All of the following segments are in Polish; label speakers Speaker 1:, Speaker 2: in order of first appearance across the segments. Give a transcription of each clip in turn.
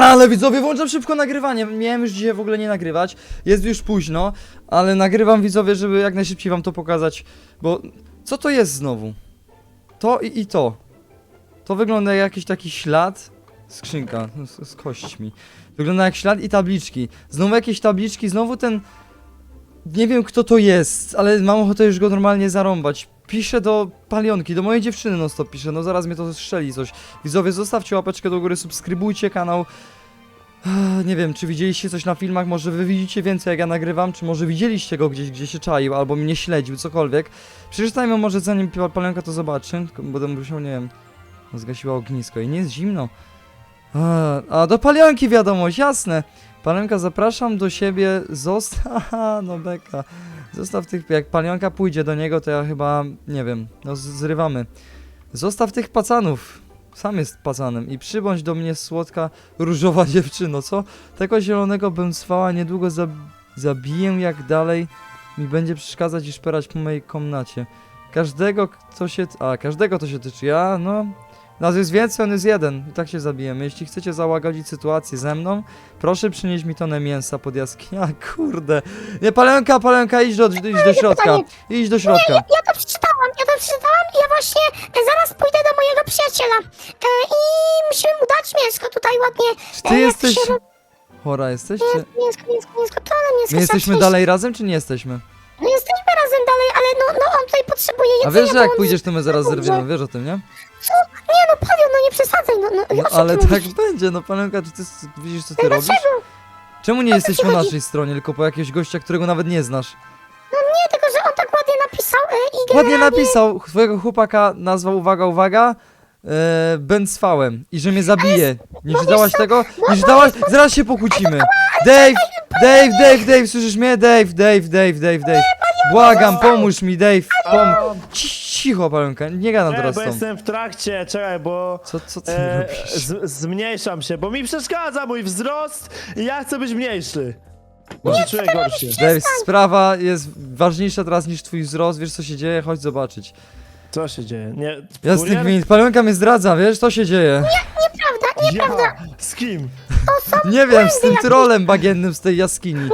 Speaker 1: Ale widzowie, włączam szybko nagrywanie. Miałem już dzisiaj w ogóle nie nagrywać. Jest już późno, ale nagrywam, widzowie, żeby jak najszybciej wam to pokazać. Bo co to jest znowu? To i to. To wygląda jak jakiś taki ślad. Skrzynka z kośćmi. Wygląda jak ślad i tabliczki. Znowu jakieś tabliczki, znowu ten... Nie wiem kto to jest, ale mam ochotę już go normalnie zarąbać. Piszę do Palionki, do mojej dziewczyny no stop piszę, no zaraz mnie to strzeli coś. Widzowie, zostawcie łapeczkę do góry, subskrybujcie kanał. Nie wiem, czy widzieliście coś na filmach, może wy widzicie więcej jak ja nagrywam, czy może widzieliście go gdzieś, gdzie się czaił, albo mnie śledził, cokolwiek. Przeczytajmy może zanim Palionka to zobaczy, bo będę musiał, nie wiem, zgasiła ognisko i nie jest zimno. A do Palionki wiadomość, jasne. Palionka, zapraszam do siebie, Haha, no beka. Zostaw tych, jak Palionka pójdzie do niego, to ja chyba, nie wiem, no zrywamy. Zostaw tych pacanów, sam jest pacanem i przybądź do mnie słodka, różowa dziewczyno, co? Tego zielonego bym swała, niedługo zabiję, jak dalej mi będzie przeszkadzać i szperać po mojej komnacie. Każdego to się tyczy, no... Nas jest więcej, on jest jeden. I tak się zabijemy. Jeśli chcecie załagodzić sytuację ze mną, proszę przynieść mi tonę mięsa pod jaskinią. Kurde. Nie, Palionka, idź do środka. Idź do środka.
Speaker 2: Ja to przeczytałam i ja właśnie zaraz pójdę do mojego przyjaciela. I musimy mu dać mięsko tutaj ładnie.
Speaker 1: Czy ty jesteś... Chora jesteś? Czy...
Speaker 2: Mięsko, to ale mięsko.
Speaker 1: My jesteśmy dalej razem, czy nie jesteśmy?
Speaker 2: No jesteśmy razem dalej, ale no on tutaj potrzebuje jedzenia.
Speaker 1: A wiesz, że jak
Speaker 2: bo on
Speaker 1: pójdziesz, to my zaraz
Speaker 2: dobrze.
Speaker 1: zerwiemy, wiesz o tym, nie?
Speaker 2: Co? Nie no, Palion, no nie przesadzaj,
Speaker 1: No ale tak będzie, no Palionka, czy ty widzisz co ty robisz?
Speaker 2: Dlaczego?
Speaker 1: Czemu nie jesteś po naszej stronie, tylko po jakiegoś gościa, którego nawet nie znasz?
Speaker 2: Nie, tylko że on tak ładnie napisał i
Speaker 1: Ładnie
Speaker 2: generalnie...
Speaker 1: napisał, twojego chłopaka nazwał, uwaga, Benzfałem i że mnie zabije. Nie czytałaś tego? Nie czytałaś? Zaraz się pokłócimy. Dave, słyszysz mnie? Dave. Błagam, pomóż mi, Dave. Cicho, Palionka, nie gadam teraz
Speaker 3: bo
Speaker 1: z tobą.
Speaker 3: jestem w trakcie, czekaj, bo...
Speaker 1: Co ty robisz?
Speaker 3: Zmniejszam się, bo mi przeszkadza mój wzrost i ja chcę być mniejszy. Bo się czuję gorszy.
Speaker 1: Dave, sprawa jest ważniejsza teraz niż twój wzrost, wiesz co się dzieje? Chodź zobaczyć.
Speaker 3: Co się dzieje? Nie,
Speaker 1: Jasny, Palionka mnie zdradza, wiesz, co się dzieje?
Speaker 2: Nieprawda.
Speaker 3: Ja? Z kim?
Speaker 1: Nie wiem, z tym trolem bagiennym z tej jaskini.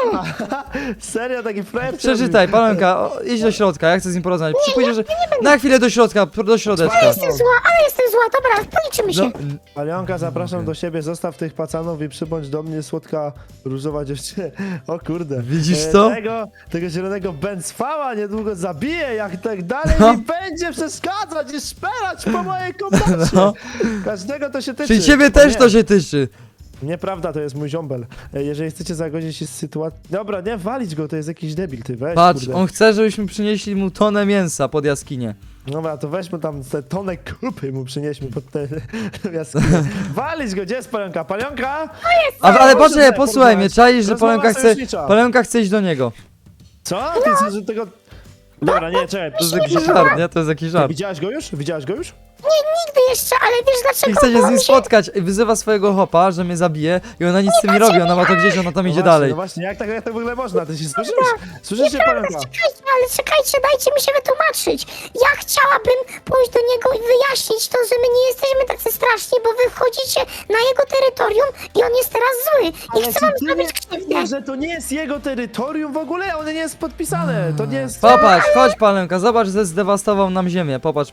Speaker 3: Serio, taki frajer?
Speaker 1: Przeczytaj, Palionka, idź do środka, ja chcę z nim porozmawiać. Przypójdziesz, że... Na chwilę do środka, do środeczka.
Speaker 2: Ale jestem zła, dobra, policzymy się.
Speaker 1: No,
Speaker 3: Palionka, zapraszam do siebie, zostaw tych pacanów i przybądź do mnie, słodka, różowa dziewczyna. O kurde.
Speaker 1: Widzisz to?
Speaker 3: Tego zielonego Benzfała niedługo zabiję, jak tak dalej
Speaker 1: No.
Speaker 3: mi będzie przeszkadzać i szperać po mojej komnacie.
Speaker 1: No.
Speaker 3: Każdego to się tyczy.
Speaker 1: Czyli ciebie
Speaker 3: O
Speaker 1: też
Speaker 3: nie.
Speaker 1: to się tyczy.
Speaker 3: Nieprawda, to jest mój ziombel. Jeżeli chcecie zagodzić się z sytuacji... Dobra, nie walić go, to jest jakiś debil, ty weź,
Speaker 1: Patrz,
Speaker 3: kurde.
Speaker 1: on chce, żebyśmy przynieśli mu tonę mięsa pod jaskinię.
Speaker 3: Dobra, to weźmy tam te tonę kupy mu przynieśmy pod te jaskinie. Walić go, gdzie jest Palionka? Palionka?
Speaker 1: Ale
Speaker 3: Proszę
Speaker 1: poczekaj,
Speaker 3: mnie
Speaker 1: posłuchaj mnie,
Speaker 3: porozmawiać.
Speaker 1: czaisz, że
Speaker 3: Rozmowa sojusznicza.
Speaker 1: Palionka chce iść do niego.
Speaker 3: Co? Ty chcesz, że tego... Dobra, nie, czekaj.
Speaker 1: To jest jakiś żart, nie? To jest jakiś żart.
Speaker 3: Widziałaś go już? Widziałaś go już?
Speaker 2: Nigdy jeszcze, ale wiesz dlaczego?
Speaker 1: I chce się z
Speaker 2: Bo
Speaker 1: nim
Speaker 2: on
Speaker 1: spotkać i wyzywa swojego chopa, że mnie zabije i ona nic z tym nie robi, ona ma to gdzieś, ona tam idzie
Speaker 3: właśnie,
Speaker 1: dalej.
Speaker 3: No właśnie, jak tak w ogóle można? Ty się słyszysz? Słyszysz się, Palionka?
Speaker 2: Czekajcie, dajcie mi się wytłumaczyć. Ja chciałabym pójść do niego i wyjaśnić to, że my nie jesteśmy tacy straszni, bo wy wchodzicie na jego terytorium i on jest teraz zły. I chcę wam zrobić krzywdę.
Speaker 3: że to nie jest jego terytorium w ogóle? One nie jest podpisane. To nie jest...
Speaker 1: Popatrz, chodź Palionka, zobacz, że zdewastował nam ziemię, popatrz.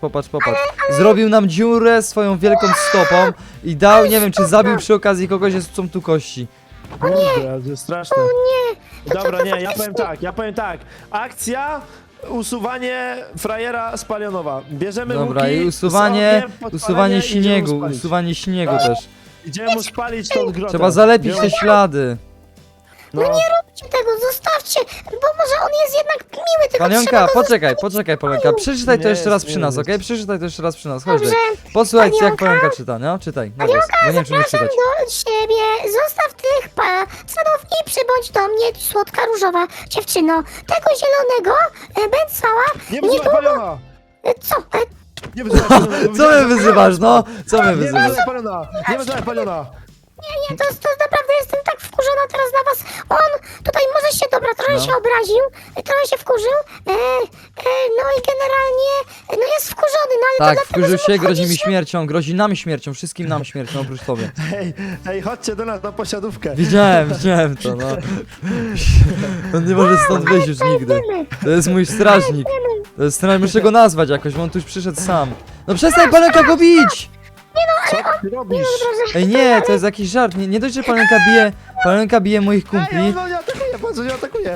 Speaker 1: Zrobił nam dziurę swoją wielką stopą i dał, nie wiem, czy zabił przy okazji kogoś, są tu kości.
Speaker 3: Kurde, to jest straszne.
Speaker 2: Nie.
Speaker 3: Dobra, nie, ja powiem tak. Akcja, usuwanie frajera z Palionowa. Bierzemy
Speaker 1: Dobra,
Speaker 3: łuki,
Speaker 1: i
Speaker 3: z
Speaker 1: usuwanie
Speaker 3: podpalenie i idziemy
Speaker 1: śniegu,
Speaker 3: spalić.
Speaker 1: usuwanie śniegu też.
Speaker 3: Idziemy mu spalić tą grotę.
Speaker 1: Trzeba zalepić te
Speaker 3: Idziemy-
Speaker 1: ślady.
Speaker 3: No,
Speaker 2: Nie róbcie tego, zostawcie, bo może on jest jednak miły, tylko
Speaker 1: Palionka,
Speaker 2: trzeba go
Speaker 1: poczekaj, Palionka, przeczytaj to
Speaker 3: Nie
Speaker 1: jeszcze raz
Speaker 3: jest,
Speaker 1: przy
Speaker 3: nie
Speaker 1: nas,
Speaker 3: jest.
Speaker 1: okej? Przeczytaj to jeszcze raz przy nas, chodź
Speaker 2: Dobrze.
Speaker 1: tutaj. Posłuchaj, jak
Speaker 2: Palionka?
Speaker 1: Palionka czyta, no? Czytaj, na głos, bo nie wiem, czy umiesz
Speaker 2: Zapraszam
Speaker 1: czytać.
Speaker 2: do siebie, zostaw tych pacanów i przybądź do mnie, słodka różowa dziewczyno. Tego zielonego Benzfała
Speaker 3: nie wyzywaj Paliona!
Speaker 2: Co?
Speaker 3: Nie wyzywaj Paliona!
Speaker 1: Co mnie wyzywasz, no? Co mnie
Speaker 3: Nie
Speaker 1: wyzywasz?
Speaker 3: wyzywaj Paliona! Nie wyzywaj Paliona!
Speaker 2: Nie, to naprawdę jestem tak wkurzona teraz na was. On tutaj może się, dobra, trochę się obraził, trochę się wkurzył, no i generalnie, no jest wkurzony, no ale to
Speaker 1: Tak,
Speaker 2: dlatego,
Speaker 1: wkurzył
Speaker 2: że
Speaker 1: się,
Speaker 2: mu
Speaker 1: grozi mi
Speaker 2: chodzi się-
Speaker 1: śmiercią, grozi nam śmiercią, wszystkim nam śmiercią, oprócz tobie.
Speaker 3: Hej, chodźcie do nas na posiadówkę.
Speaker 1: Widziałem to, no. On nie może stąd wyjść już nigdy. To jest mój strażnik. To jest strażnik, muszę go nazwać jakoś, bo on tu już przyszedł sam. No przestań Palenka go bić!
Speaker 3: Co ty robisz?
Speaker 1: Ej nie, to jest jakiś żart, nie dość, że Palenka bije moich
Speaker 3: Ej,
Speaker 1: kumpli.
Speaker 3: on nie atakuje, patrz, on nie atakuje.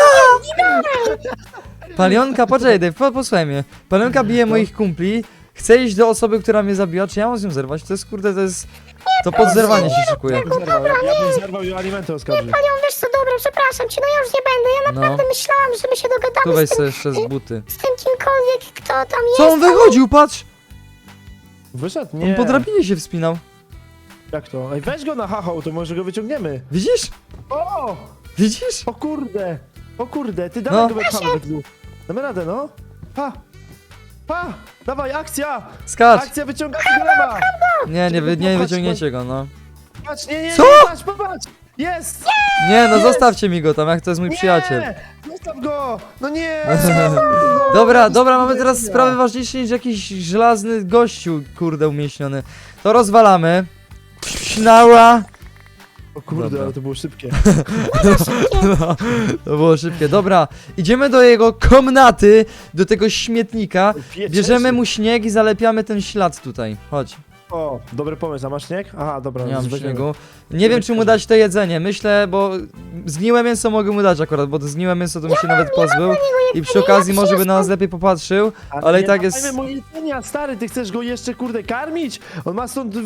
Speaker 1: Palionka, poczekaj Dave, posłuchaj mnie. Palenka bije moich kumpli, chce iść do osoby, która mnie zabiła, czy ja mam z nią zerwać? To jest kurde, to jest... To pod zerwanie się szykuje.
Speaker 3: Ja bym zerwał i o alimenty oskarżył.
Speaker 2: Panią, wiesz co, dobra, przepraszam cię, no ja już nie będę, ja naprawdę
Speaker 1: No.
Speaker 2: myślałam, że my się
Speaker 1: Tu
Speaker 2: dogadamy
Speaker 1: weź
Speaker 2: z tym,
Speaker 1: sobie jeszcze z buty.
Speaker 2: z tym kimkolwiek, kto tam jest.
Speaker 1: Co on wychodził, patrz!
Speaker 3: Wyszedł?
Speaker 1: On
Speaker 3: Nie.
Speaker 1: po drabinie się wspinał.
Speaker 3: Jak to? Ej, weź go na hachał, to może go wyciągniemy.
Speaker 1: Widzisz?
Speaker 3: O!
Speaker 1: Widzisz?
Speaker 3: O kurde! O kurde, ty
Speaker 1: No.
Speaker 3: dawaj go wypchamy we dwóch. Damy radę, no. Pa! Pa! Dawaj, akcja!
Speaker 1: Skacz!
Speaker 3: Akcja, wyciągamy golema!
Speaker 1: Nie wyciągniecie go, no.
Speaker 3: Patrz, nie,
Speaker 1: Co?
Speaker 3: patrz, popatrz! Jest!
Speaker 1: Nie, no
Speaker 3: Jest!
Speaker 1: zostawcie mi go tam, jak to jest mój przyjaciel.
Speaker 3: Nie! Zostaw go! No nie!
Speaker 1: Dobra, mamy teraz sprawy ważniejsze niż jakiś żelazny gościu, kurde, umieśniony. To rozwalamy. Śnała!
Speaker 3: O kurde,
Speaker 1: Dobra.
Speaker 3: ale to było szybkie.
Speaker 1: No, to było szybkie. Dobra, idziemy do jego komnaty, do tego śmietnika. Bierzemy mu śnieg i zalepiamy ten ślad tutaj. Chodź,
Speaker 3: O, dobry pomysł, a masz śnieg? Aha, dobra,
Speaker 1: nie mam
Speaker 3: weźmiemy.
Speaker 1: śniegu. Nie wiem, czy mu dać to jedzenie. Myślę, bo zgniłe mięso mogę mu dać akurat, bo to zgniłe mięso to mi się nawet pozbył. I przy okazji może by na nas lepiej popatrzył, ale i
Speaker 3: nie
Speaker 1: tak
Speaker 3: dawajmy
Speaker 1: jest...
Speaker 3: mu jedzenia, stary, ty chcesz go jeszcze, kurde, karmić? On ma stąd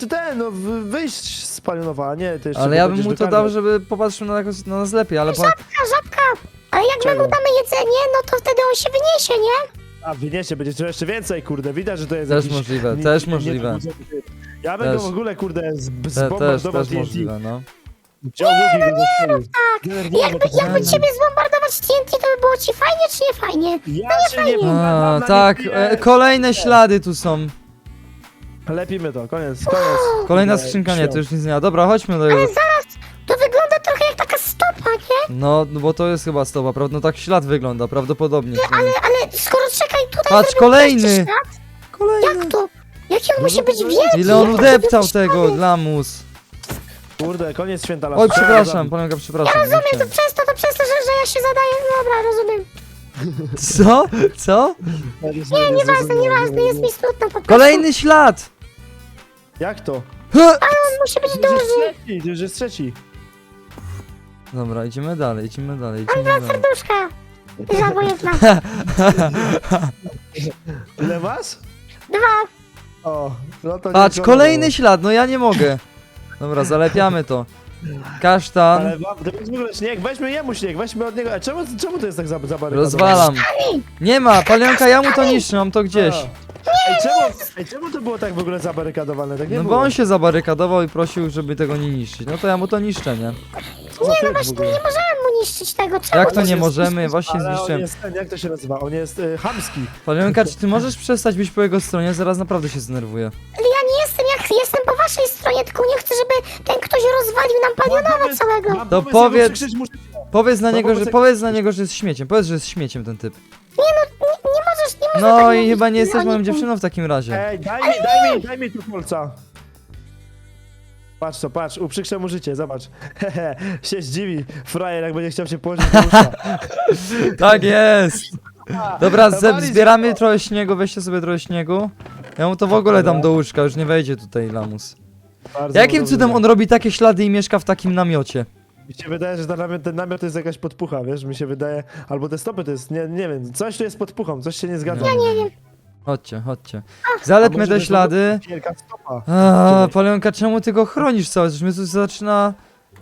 Speaker 3: wyjść z Palionowa, a nie, ty jeszcze
Speaker 1: Ale
Speaker 3: go
Speaker 1: ja bym
Speaker 3: będziesz
Speaker 1: mu to dał,
Speaker 3: dokarmiał.
Speaker 1: żeby popatrzył na nas lepiej, ale...
Speaker 2: Żabka, ale jak my
Speaker 3: Czego?
Speaker 2: mu damy jedzenie, no to wtedy on się wyniesie, nie?
Speaker 3: A, wyniesie, będzie to jeszcze więcej, kurde, widać, że to jest
Speaker 1: Też
Speaker 3: jakiś...
Speaker 1: możliwe, też możliwe.
Speaker 3: Ja bym
Speaker 1: Też.
Speaker 3: go w ogóle, kurde,
Speaker 1: Też
Speaker 3: zbombardował TNT.
Speaker 1: możliwe, no.
Speaker 3: Wziął łuki go zastrzelił.
Speaker 2: Jakby ciebie zbombardować TNT, to by było ci fajnie, czy nie fajnie?
Speaker 3: Ja się nie
Speaker 1: A,
Speaker 3: pogadam na
Speaker 1: tak,
Speaker 3: nie.
Speaker 1: kolejne ślady tu są.
Speaker 3: Lepimy to, koniec.
Speaker 1: Kolejna
Speaker 3: Nie,
Speaker 1: skrzynka, nie,
Speaker 3: śmiał.
Speaker 1: to już nic nie ma. Dobra, chodźmy do jego...
Speaker 2: To wygląda trochę jak taka stopa, nie?
Speaker 1: No, bo to jest chyba stopa, prawda? No tak ślad wygląda, prawdopodobnie.
Speaker 2: Ale skoro czekaj, tutaj
Speaker 1: Patrz,
Speaker 2: zrobił
Speaker 1: kolejny!
Speaker 2: jeszcze ślad?
Speaker 1: Kolejny!
Speaker 2: Jak to? Jaki on
Speaker 3: No,
Speaker 2: musi
Speaker 3: no,
Speaker 2: być
Speaker 3: no,
Speaker 2: wielki?
Speaker 1: Ile on
Speaker 2: jak
Speaker 1: udeptał
Speaker 2: taki
Speaker 1: tego,
Speaker 2: ślady?
Speaker 1: lamus.
Speaker 3: Kurde, koniec święta lasu.
Speaker 1: Oj, przepraszam, Palenka, przepraszam. nie
Speaker 2: Rozumiem, to
Speaker 1: chciałem.
Speaker 2: przez to, że ja się zadaję. Dobra, rozumiem.
Speaker 1: Co? Co?
Speaker 2: Nieważne, jest mi smutno po prostu.
Speaker 1: Kolejny ślad!
Speaker 3: Jak to?
Speaker 1: Ha!
Speaker 2: On musi być
Speaker 3: To już
Speaker 2: duży.
Speaker 3: jest trzeci, to już jest trzeci.
Speaker 1: Dobra, idziemy dalej, idziemy dalej.
Speaker 2: Serduszka. Żadna jedna.
Speaker 3: Ile masz?
Speaker 2: Dwa.
Speaker 3: O, no to
Speaker 1: Patrz,
Speaker 3: nie
Speaker 1: kolejny ślad, no ja nie mogę. Dobra, zalepiamy to. Kasztan,
Speaker 3: Ale to jest w ogóle śnieg, weźmy jemu śnieg, weźmy od niego. A czemu to jest tak zabarykadowane?
Speaker 1: rozwalam. Nie ma, Palenka, ja mu to niszczę, mam to gdzieś.
Speaker 3: Czemu to było tak w ogóle zabarykadowane? Tak nie
Speaker 1: No bo
Speaker 3: było.
Speaker 1: on się zabarykadował i prosił, żeby tego nie niszczyć. No to ja mu to niszczę, nie?
Speaker 3: Co za typ w
Speaker 2: Właśnie
Speaker 3: ogóle?
Speaker 2: nie możemy mu niszczyć tego. Czemu?
Speaker 1: Jak to
Speaker 3: On
Speaker 1: nie
Speaker 3: jest-
Speaker 1: możemy? Właśnie
Speaker 3: Ale on
Speaker 1: zniszczyłem.
Speaker 3: jest ten, jak to się nazywa? On jest chamski.
Speaker 1: Palenka, czy ty możesz przestać być po jego stronie? Zaraz naprawdę się zdenerwuję.
Speaker 2: Ale ja nie jestem, jestem po waszej stronie, tylko nie chcę, żeby ten ktoś rozwalił nam palionowa całego.
Speaker 3: Mam
Speaker 1: To
Speaker 3: pomysł,
Speaker 1: powiedz-
Speaker 3: ja go przykrzycz muszę-
Speaker 1: Powiedz na
Speaker 3: No
Speaker 1: niego,
Speaker 3: wobec
Speaker 1: że
Speaker 3: jak-
Speaker 1: powiedz na niego, że jest śmieciem. Powiedz, że jest śmieciem ten typ.
Speaker 2: Nie możesz tak
Speaker 1: No i
Speaker 2: mówić.
Speaker 1: chyba nie jesteś
Speaker 2: Ja
Speaker 1: moją
Speaker 2: nie-
Speaker 1: dziewczyną w takim razie.
Speaker 3: Ej, daj mi tu kolca. Patrz to, patrz, uprzykrzę mu życie, zobacz. Hehe, się zdziwi, frajer, jak będzie chciał się położyć do łóżka.
Speaker 1: Tak jest! Dobra,
Speaker 3: Dawali
Speaker 1: zbieramy
Speaker 3: się-
Speaker 1: trochę śniegu, weźcie sobie trochę śniegu. Ja mu to w ogóle dam do łóżka, już nie wejdzie tutaj lamus.
Speaker 3: Bardzo
Speaker 1: Jakim
Speaker 3: dobrze.
Speaker 1: cudem on robi takie ślady i mieszka w takim namiocie?
Speaker 3: Mi się wydaje, że ten namiot to jest jakaś podpucha, wiesz, mi się wydaje, albo te stopy to jest, nie wiem, coś tu jest podpuchą, coś się nie zgadza.
Speaker 1: Ja
Speaker 2: nie wiem.
Speaker 1: Chodźcie, chodźcie.
Speaker 3: A
Speaker 1: Zalepmy
Speaker 3: może
Speaker 1: te
Speaker 3: to
Speaker 1: ślady.
Speaker 3: Wielka stopa.
Speaker 1: A, Palenka, czemu ty go chronisz cały czas? Mnie tu zaczyna...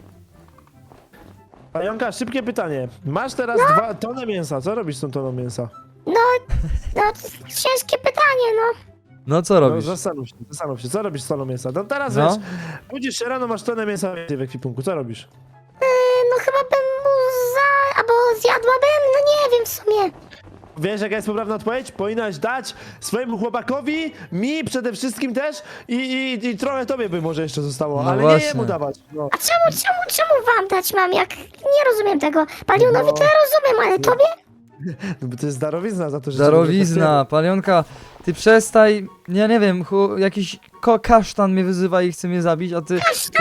Speaker 3: Pająka, szybkie pytanie. Masz teraz 2 tony mięsa, co robisz z tą toną mięsa?
Speaker 2: No, ciężkie pytanie, no.
Speaker 1: No co
Speaker 3: No,
Speaker 1: robisz?
Speaker 3: zastanów się, co robisz z toną mięsa? No teraz
Speaker 1: No.
Speaker 3: wiesz, budzisz się rano, masz tonę mięsa więcej w ekwipunku, co robisz?
Speaker 2: No chyba bym mu albo zjadłabym, no nie wiem w sumie.
Speaker 3: Wiesz, jaka jest poprawna odpowiedź? Powinnaś dać swojemu chłopakowi, mi przede wszystkim też i trochę tobie by może jeszcze zostało,
Speaker 1: No
Speaker 3: ale
Speaker 1: właśnie.
Speaker 3: nie jemu dawać. No.
Speaker 2: A czemu wam dać mam, jak nie rozumiem tego? Palionowi to ja rozumiem, ale tobie?
Speaker 3: No bo to jest darowizna za to, że...
Speaker 1: Darowizna, Palionka, ty przestań, ja nie wiem, jakiś kasztan mnie wyzywa i chce mnie zabić, a ty...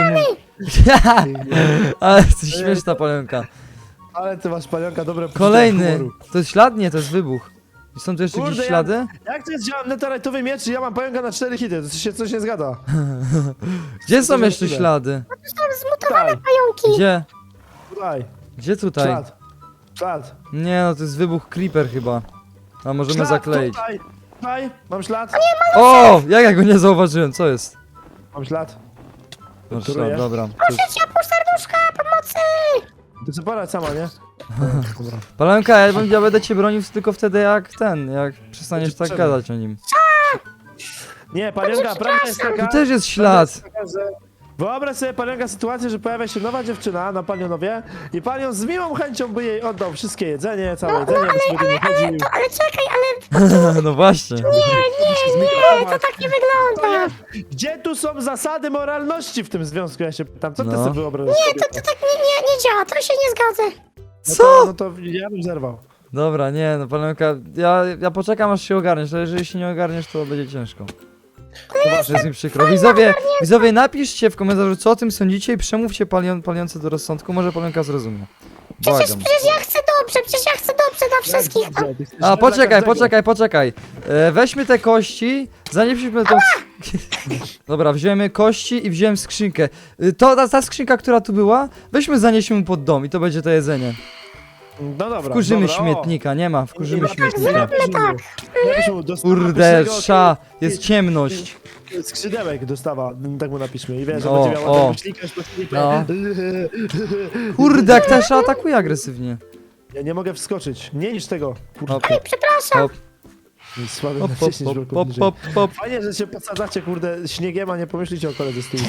Speaker 1: Ale jesteś śmieszna, Palionka.
Speaker 3: Ale ty masz, Palionka, dobre poczucie
Speaker 1: Kolejny,
Speaker 3: humoru.
Speaker 1: to jest ślad? Nie, to jest wybuch. I są tu jeszcze
Speaker 3: Kurde,
Speaker 1: jakieś ślady?
Speaker 3: Jak to jest działa netherite'owy miecz i ja mam Palionka na 4 hity? To się coś nie zgada.
Speaker 1: Gdzie są
Speaker 3: to
Speaker 1: jeszcze
Speaker 3: możliwe.
Speaker 1: ślady?
Speaker 2: Są zmutowane
Speaker 3: Tutaj,
Speaker 2: pająki.
Speaker 1: Gdzie?
Speaker 3: tutaj,
Speaker 1: Gdzie tutaj?
Speaker 3: ślad, ślad.
Speaker 1: Nie no, to jest wybuch creeper chyba. A możemy
Speaker 3: Ślad,
Speaker 1: zakleić.
Speaker 3: Tutaj, mam ślad,
Speaker 1: O! Jak ja go nie zauważyłem, co jest?
Speaker 3: mam ślad.
Speaker 1: No
Speaker 3: Który jest?
Speaker 1: dobra.
Speaker 2: Proszę cię, pół serduszka, pomocy!
Speaker 3: To co porać sama, nie? Dobra.
Speaker 1: Palenka, ja będę cię bronił tylko wtedy jak jak przestaniesz tak
Speaker 3: Potrzebny.
Speaker 1: gadać o nim.
Speaker 3: Nie, Palionka, prawda jest taka...
Speaker 1: Tu też jest
Speaker 3: prawda
Speaker 1: ślad.
Speaker 3: jest taka, że wyobraź sobie, Palionka, sytuację, że pojawia się nowa dziewczyna na Palionowie i Palion z miłą chęcią by jej oddał wszystkie jedzenie, całe jedzenie, by sobie nie chodził.
Speaker 2: Ale czekaj, ale
Speaker 1: No właśnie.
Speaker 2: nie, to tak nie wygląda.
Speaker 3: Gdzie tu są zasady moralności w tym związku? Ja się pytam, co ty
Speaker 1: No.
Speaker 3: sobie wyobrażasz?
Speaker 2: Nie, to tak nie działa, to się nie zgadza.
Speaker 1: Co?
Speaker 3: No to ja bym zerwał.
Speaker 1: Dobra, nie no Palenka, ja poczekam aż się ogarniesz, ale jeżeli się nie ogarniesz, to będzie ciężko. To jest mi przykro. Widzowie, napiszcie w komentarzu, co o tym sądzicie i przemówcie Palionce do rozsądku, może Palenka zrozumie. Błagam.
Speaker 2: Przecież ja chcę dobrze dla wszystkich.
Speaker 1: A, poczekaj. Weźmy te kości, zanieśmy tą... Dobra, wziąłem kości i wziąłem skrzynkę. Ta skrzynka, która tu była, weźmy, zanieśmy mu pod dom i to będzie to jedzenie.
Speaker 3: No dobra,
Speaker 1: Wkurzymy
Speaker 3: dobra,
Speaker 1: śmietnika, nie ma, wkurzymy śmietnika.
Speaker 3: Kurde,
Speaker 1: Kurde, jest ciemność.
Speaker 3: Skrzydełek dostawa, tak mu napiszmy. I wiesz, że
Speaker 1: O,
Speaker 3: będzie miała
Speaker 1: o.
Speaker 3: ten ślikać po śliku.
Speaker 1: No. Kurde, jak ta sza atakuje agresywnie.
Speaker 3: Ja nie mogę wskoczyć. Nie niż tego. Kurde,
Speaker 1: Hop,
Speaker 2: Przepraszam.
Speaker 1: hop,
Speaker 3: słaby
Speaker 1: hop,
Speaker 3: na
Speaker 1: hop,
Speaker 3: 10
Speaker 1: hop,
Speaker 3: bloków
Speaker 1: hop,
Speaker 3: niżej.
Speaker 1: hop, hop.
Speaker 3: Fajnie, że się podsadzacie, kurde, śniegiem, a nie pomyślicie o koledze z tyłu.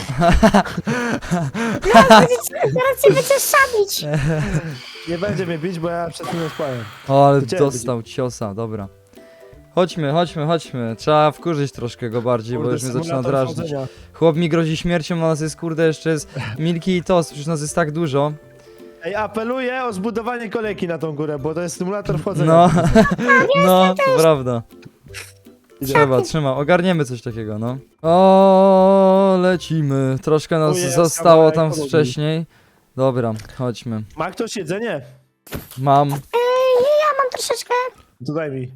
Speaker 2: Zaraz cię będziesz szabić.
Speaker 3: Nie będzie mnie bić, bo ja przed chwilą spałem.
Speaker 1: O, ale
Speaker 3: To cię
Speaker 1: dostał ciosa, dobra. Chodźmy. Trzeba wkurzyć troszkę go bardziej, bo
Speaker 3: Kurde,
Speaker 1: już mnie zaczyna
Speaker 3: symulator
Speaker 1: drażnić.
Speaker 3: wchodzenia.
Speaker 1: Chłop mi grozi śmiercią, a nas jest kurde jeszcze jest Milki i Toast, przecież nas jest tak dużo.
Speaker 3: Ej, apeluję o zbudowanie kolejki na tą górę, bo to jest symulator wchodzenia.
Speaker 1: No, no, to prawda. Trzeba, ogarniemy coś takiego, no. O, lecimy. Troszkę nas
Speaker 3: O jest,
Speaker 1: zostało
Speaker 3: kawałek
Speaker 1: tam
Speaker 3: podłogi.
Speaker 1: wcześniej. Dobra, chodźmy.
Speaker 3: Ma ktoś jedzenie?
Speaker 1: Mam.
Speaker 2: Ja mam troszeczkę.
Speaker 3: To daj mi.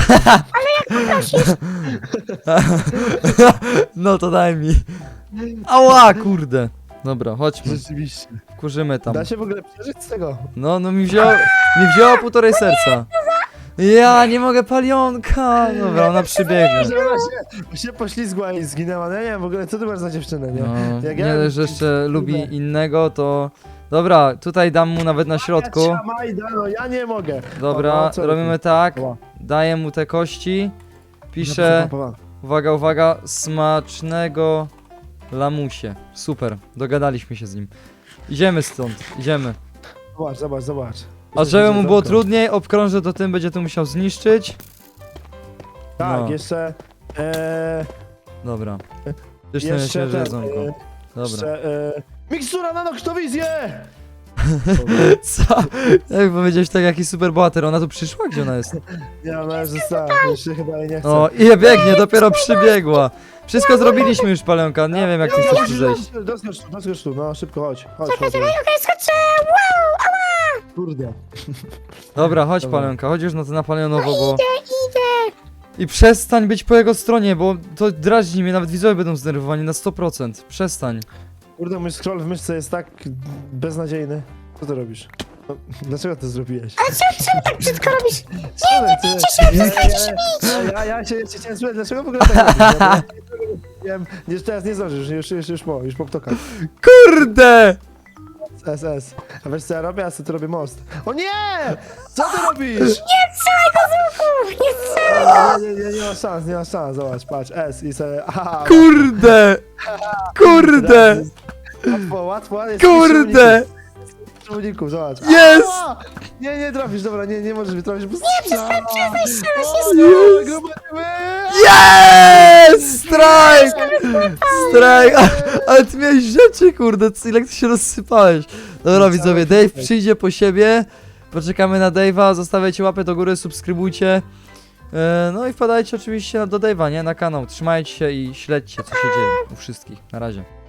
Speaker 1: No to daj mi. Ała, kurde. Dobra, chodźmy.
Speaker 3: Rzeczywiście.
Speaker 1: Wkurzymy tam.
Speaker 3: Da się w ogóle przeżyć z tego?
Speaker 1: No mi wzięło półtorej serca. Ja nie mogę Palionka. Dobra, ona przybiegnie.
Speaker 3: Że ona się poślizgła i zginęła. No ja nie wiem w ogóle, co ty masz za dziewczynę, nie?
Speaker 1: No,
Speaker 3: Jak
Speaker 1: nie
Speaker 3: ja-
Speaker 1: dość, że jeszcze lubi innego, to... Dobra, tutaj dam mu nawet na środku.
Speaker 3: Ja Majda, no ja nie mogę.
Speaker 1: Dobra,
Speaker 3: No, co
Speaker 1: robimy
Speaker 3: ty?
Speaker 1: tak.
Speaker 3: Ła.
Speaker 1: Daję mu te kości. Piszę, uwaga, smacznego lamusie. Super, dogadaliśmy się z nim. Idziemy stąd, idziemy.
Speaker 3: Zobacz.
Speaker 1: A żeby mu było trudniej, obkrążę to tym, będzie to musiał zniszczyć.
Speaker 3: Tak,
Speaker 1: No.
Speaker 3: jeszcze...
Speaker 1: Dobra. Jeszcze
Speaker 3: jeszcze
Speaker 1: świeże
Speaker 3: ten,
Speaker 1: jedzonko. Dobra.
Speaker 3: jeszcze... mikstura na noktowizję!
Speaker 1: Co? Jak powiedziałeś tak, jaki super bohater, ona tu przyszła? Gdzie ona jest?
Speaker 3: Nie, ona już została, jeszcze chyba jej nie chce.
Speaker 1: O, i biegnie, dopiero przybiegła. Wszystko zrobiliśmy już, Palenka, nie wiem jak ty chcesz tu zejść.
Speaker 3: Doskocz tu, no szybko, chodź.
Speaker 2: Okej, skoczę. Wow, ała.
Speaker 3: Kurde.
Speaker 1: Dobra, chodź
Speaker 3: Dobra.
Speaker 1: Palenka, chodź już na to na Palionowo, bo...
Speaker 2: Idę.
Speaker 1: I przestań być po jego stronie, bo to drażni mnie, nawet widzowie będą zdenerwowani na 100%. Przestań.
Speaker 3: Kurde, mój scroll w myszce jest tak beznadziejny. Co ty robisz? No, dlaczego to zrobiłeś?
Speaker 2: A czemu tak brzydko robisz?
Speaker 3: Nie bijcie się, przestańcie się bić! Ja się chciałem spytać, dlaczego w ogóle tak robisz? Ja nie, teraz nie zdążysz, już po ptokach.
Speaker 1: Kurde!
Speaker 3: SS. A wiesz co ja robię? Ja sobie tu robię most. O nie! Co ty robisz?
Speaker 2: Nie strzelaj go z łuku! Nie strzelaj!
Speaker 3: Nie ma szans, zobacz, patrz, S i sobie, aha,
Speaker 1: Kurde! Kurde!
Speaker 3: łatwo, jest
Speaker 1: Kurde!
Speaker 3: uników, zobacz.
Speaker 1: Jest!
Speaker 3: Ała! Nie trafisz, dobra, nie możesz mi trafić, bo
Speaker 2: Nie, przestań strzelać,
Speaker 1: Jest! Strike! Strike! Ale ty miałeś rzeczy, kurde, ile ty się rozsypałeś. Dobra, widzowie, Dave przyjdzie po siebie. Poczekamy na Dave'a, zostawiajcie łapę do góry, subskrybujcie. No i wpadajcie oczywiście do Dave'a, nie? Na kanał. Trzymajcie się i śledźcie, co się dzieje u wszystkich. Na razie.